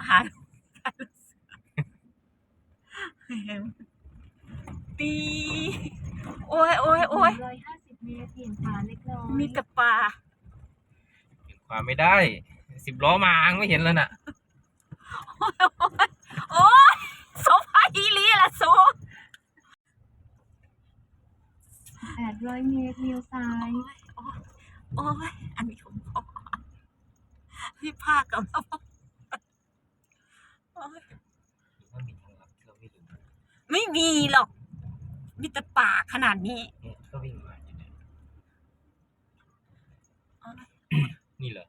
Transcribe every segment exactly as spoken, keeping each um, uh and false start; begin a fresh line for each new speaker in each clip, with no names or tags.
หาตีโอ้ยโอ้ยโอ้ย
ร้อยห้าสิบเมตรเปลี่ยนขวาเล็กน้อย
มีแต่ปลา
เห็นความไม่ได้สิบล้อมาไม่เห็นแล้วน่ะ
โอ้ยโซฟาอีลีละโซ
แปดร้อยเมตรเลี้ยวซ้าย
โอ้ยอันนี้ของพ่อพี่ภาคกับเรา
ว่ามีทางลับที่เราไม่รู้
ไม่มีหรอกมีแต่ป่าขนาดนี้
เนี่ยก็วิ่งมาอยู่เนี่ยนี่เหรอ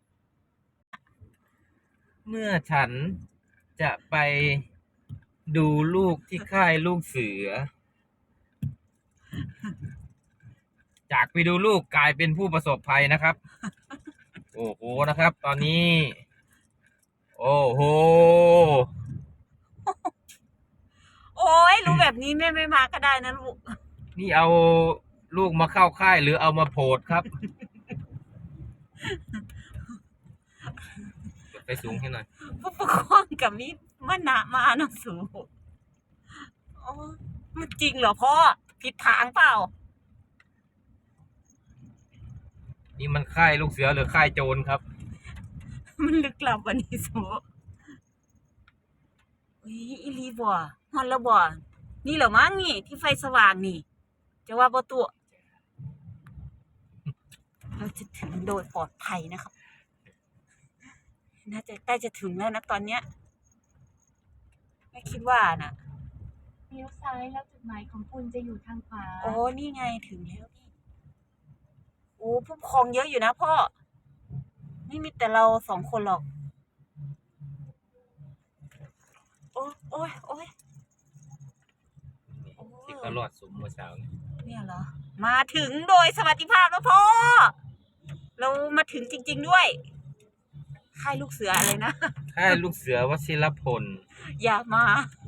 เมื่อฉันจะไปดูลูกที่ค่ายลูกเสือจากไปดูลูกกลายเป็นผู้ประสบภัยนะครับโอ้โหนะครับตอนนี้โอ้โห
โอ้ยรู้แบบนี้แม่ไม่มาก็ได้นะลูก
นี่เอาลูกมาเข้าค่ายหรือเอามาโพดครับไปสูงให้หน่อย
ผู้ปกครองกับมิมันหนามาเนาะสูงโอ้มันจริงเหรอพ่อผิดทางเปล่า
นี่มันค่ายลูกเสือหรือค่ายโจรครับ
มันลึกลับวันนี้สูอุ้ยอีลีบ่ฮอนแล้วบ่นี่เหรอมั้งนี่ที่ไฟสว่างนี่จะว่าบ่ตัวเราจะถึงโดยปลอดภัยนะครับน่าจะใกล้จะถึงแล้วนะตอนเนี้ยไม่คิดว่านะ
เลี้ยวซ้ายแล้วจุดหมายของคุณจะอยู่ทางขวา
โอ้นี่ไงถึงแล้วนี่โอ้ผู้ปกครองเยอะอยู่นะพ่อไม่มีแต่เราสองคนหรอกโอ้ยโอ้ยโอ้ย
ที่เขารอดสุมเมื่อเช้า
เนี่ยเหรอมาถึงโดยสวัสดิภาพแล้วพ่อเรามาถึงจริงๆด้วยค่ายลูกเสืออะไรนะ
ค่ายลูกเสือวชิรพล
อย่ามา